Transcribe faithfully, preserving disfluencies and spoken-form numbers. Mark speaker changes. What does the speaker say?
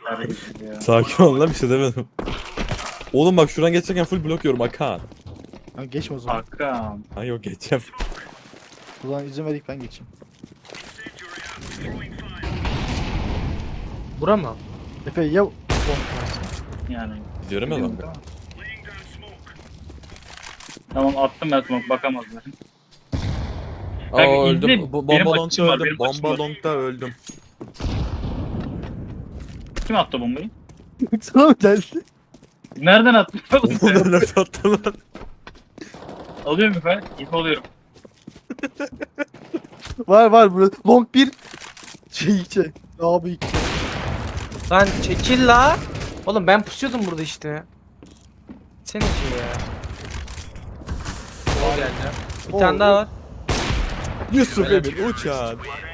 Speaker 1: Ya.
Speaker 2: Sakin ol lan, bir şey demedim. Oğlum bak, şuradan geçerken full blok yiyorum Hakan.
Speaker 3: Ha, geçme o zaman.
Speaker 1: Hakan.
Speaker 2: Ha yok, geçeceğim.
Speaker 3: O zaman izin verdik ben geçeyim.
Speaker 4: Bura mı?
Speaker 3: Efe ya bomba.
Speaker 1: Yani.
Speaker 2: Gidiyorum ya lan.
Speaker 1: Tamam attım ben smoke bakamazlar.
Speaker 2: Aa
Speaker 1: Kanka,
Speaker 2: öldüm.
Speaker 1: izle,
Speaker 2: Bu
Speaker 1: benim
Speaker 2: bomba
Speaker 1: açım
Speaker 2: longda
Speaker 1: var,
Speaker 2: öldüm.
Speaker 1: benim açım
Speaker 2: Bomba
Speaker 1: var.
Speaker 2: longda öldüm.
Speaker 1: Kim attı bombayı?
Speaker 3: Sana mı geldi?
Speaker 1: Nereden attın?
Speaker 2: Onu nerede attın lan?
Speaker 1: Alıyorum efendim. İp alıyorum.
Speaker 3: Var var burada. Long bir. Şey iki. Abi iki.
Speaker 4: Lan çekil la. Oğlum ben pusuyordum burada işte. Senin şey ya. O geldi. Bir
Speaker 3: Oo,
Speaker 4: tane daha var.
Speaker 2: Yusuf
Speaker 4: Helal.
Speaker 2: Emin uçan.